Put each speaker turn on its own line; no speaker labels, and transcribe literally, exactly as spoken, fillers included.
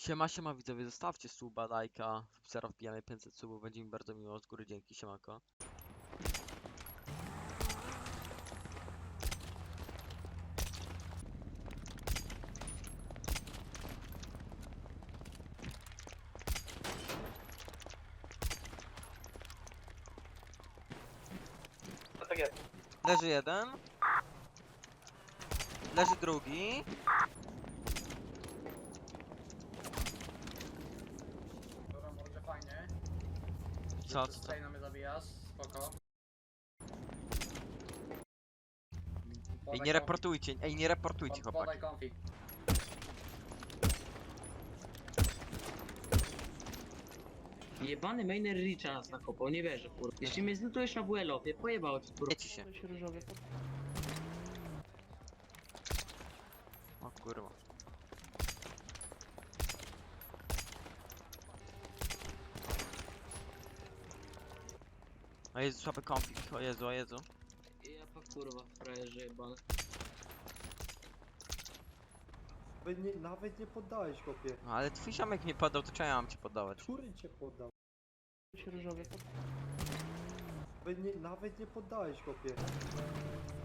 Siema, siema widzowie, zostawcie suba, lajka, zaraz wbijamy pięćset subów, będzie mi bardzo miło, z góry dzięki, siemako.
Tak jest.
Leży jeden. Leży drugi.
Dobra, może fajnie.
Co, co, co?
Tutaj na mnie zabijasz, spoko.
Ej,
Podaj
nie
konfig.
reportujcie, ej, nie reportujcie,
Pod-
chłopaki.
Podaj konfig.
Jebany mainer Richa nas nakopał, nie wierzę, kurwa. Jeśli mnie zlutujesz na W L-opie, pojebało ci, kurwa.
Wiecie się. O kurwa. O Jezu, słaby konflikt, o Jezu, o Jezu.
Ja pa kurwa, frajerze jebany.
Nawet nie, nawet nie poddałeś, chłopie.
No ale twój ziomek mnie podał, to czemu ja mam cię podawać?
Który cię poddał? Nawet nie, nawet nie poddałeś, chłopie.